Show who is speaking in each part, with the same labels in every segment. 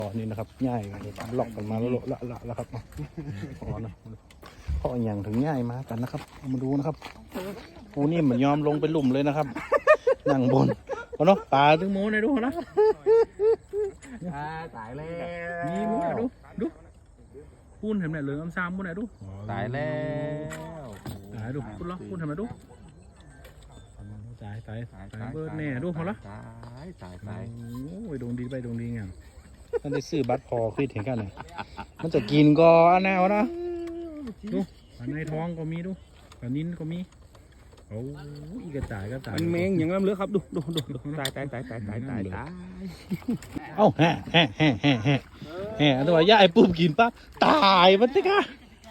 Speaker 1: อ๋อนี่นะครับง่ายหลอกกันมาแล้วครับอ๋อนะเพราะอย่างถึงง่ายมากันนะครับมาดูนะครับโอ้นี่เหมือนยอมลงไปหลุมเลยนะครับนั่งบนเนาะปลาถึงโม้ในดูนะ
Speaker 2: ตายแล้ว
Speaker 1: มีโม้ดูพูนเห็นไหมเหลืองซ้ำพูนไหนดู
Speaker 2: ตายแล้ว
Speaker 1: ตายดูพูนล้อพูนเห็นไหมดูตายเบิร์ดแน่ดูเขาละ
Speaker 2: ตาย
Speaker 1: โอ้ยดวงดีไปดวงดีไงมันได้ซื้อบัตรพอคิดเห็นกันเลยมันจะกินก็อันแนวนะดูอันในท้องก็มีดูอันนิ้นก็มีโอ้อีกระต่าย
Speaker 2: มันเมงอย่างนั้นเลยครับดูตาย
Speaker 1: เอ้าแห่ตัวย่าไอ้ปุ๊บกินปั๊บตายมันติกะ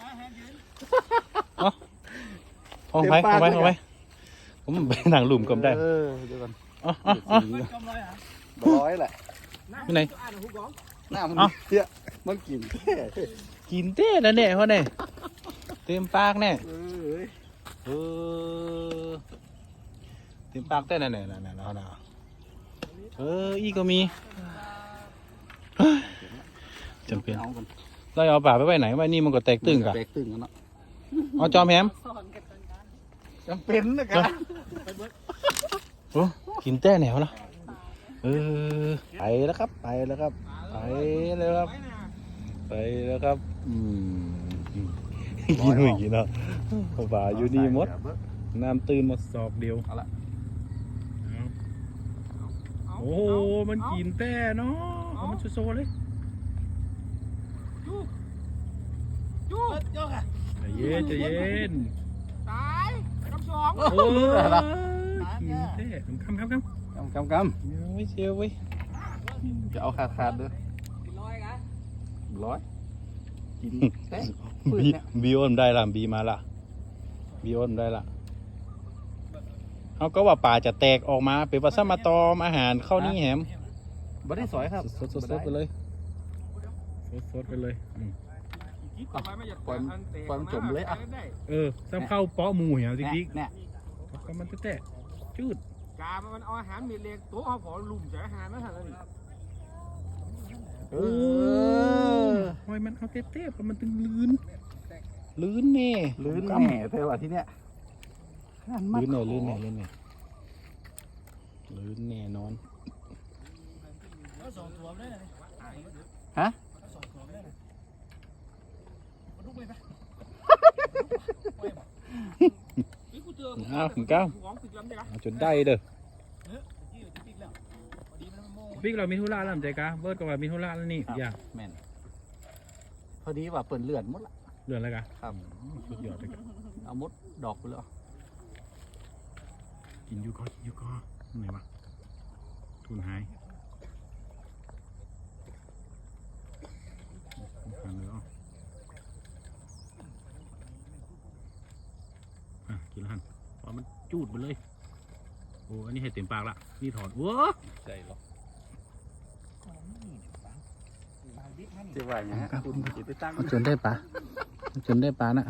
Speaker 1: เอาไปผมไปหนังหลุมก็ได้
Speaker 2: เดี๋ยวก่อนร้อยแหละ
Speaker 1: ที่ไหน
Speaker 2: หน้ามันเตี้ยมันกิน
Speaker 1: เต้นั่นเนี่ยเขาเนี่ยเต็มปากเนี่ยเต็มปากเต้นั่นเนี่ยเขาน่ะอีก็มีจำเป็นเราเอาป่าไปไหนไว้นี่มันก็แตกตึงกัน
Speaker 2: เนาะ
Speaker 1: เอาจอมแฮม
Speaker 2: จำเป็นนะกัน
Speaker 1: โอ้กินเต้แนวละไปแล้วครับกินไม่กินเนาะป่าอยู่นี่หมดน้ำตื่นหมดสอบเดียวโอ้มันกินเต้เนาะมันโซเลยใจเย็น
Speaker 3: ตายคำสอง
Speaker 1: โอ้กินเต้คำไม่เชียวเว้ย
Speaker 2: จะเอาขาดด้วยร้อยกินเต้
Speaker 1: บีโอนได้ละบีมาละบีโอนได้ละเขาก็ว่าป่าจะแตกออกมาเป็นว่าสมาตอมอาหารเข้านี่แหม
Speaker 2: บ่ได้สอยครับ
Speaker 1: สดไปเลยไปเลย
Speaker 2: ปล่อยจมเลยอ่ะ
Speaker 1: ซ้ำเข้าเปาะหมูเหี่ยวจริงๆ
Speaker 2: เนี่ย
Speaker 1: ก็มันเตะจืด
Speaker 3: กามันเอาอาหารมีเล็กตัวเขาขอลุ่มจากอาหารไม่ทันแล้วนี่
Speaker 1: ทำไมมันเอาเตะเพราะมันตึงลื่นแน่
Speaker 2: เท่าว่าที่เนี้ย
Speaker 1: ลื่นแน่นอน
Speaker 2: ฮะ
Speaker 1: คุณก้าวจนได้เด้อบิ๊กเรามีธุระแล้วใจกะเบิร์ดก็ว่ามีธุระแล้วนี่อย่า
Speaker 2: แม่นพอดีว่าเปิดเลื่อนหมดละ
Speaker 1: เลื่อนอะไรกัน
Speaker 2: ครับ
Speaker 1: สุดยอดเลยกัน
Speaker 2: เอามดดอกไปเลย
Speaker 1: กินยูก็ไหนวะทุนหายกินแล้วเพราะมันจูดไปเลยโอ้อันนี้ให้เต็มปากละนี่ถอนว้า
Speaker 2: ใจหรอจะว่าอย่างนี้
Speaker 1: จนได้ปลานะ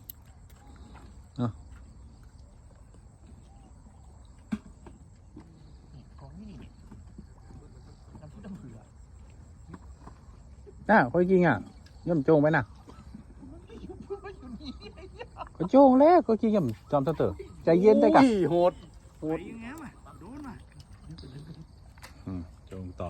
Speaker 1: ค่อยกินย่ำโจงไปนะก็โจงแล้วก็กินย่ำจอมเต๋อใจเย็นได้กัน
Speaker 2: โหด
Speaker 1: โจงต่อ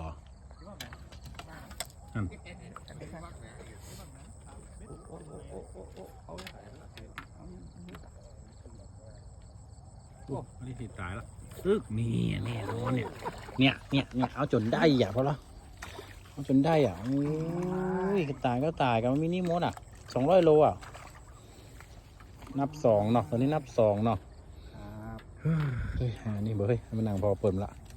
Speaker 1: นี่ติดตายแล้วนี่แน่นอนเนี่ยเอาจนได้อย่าเพราะละเอาจนได้โอ้ยก็ตายกันมันมินิมด200 โลนับ2เนาะตอนนี้นับ2เนาะเฮ้ยนี่เบยมันนางพอเปิดละ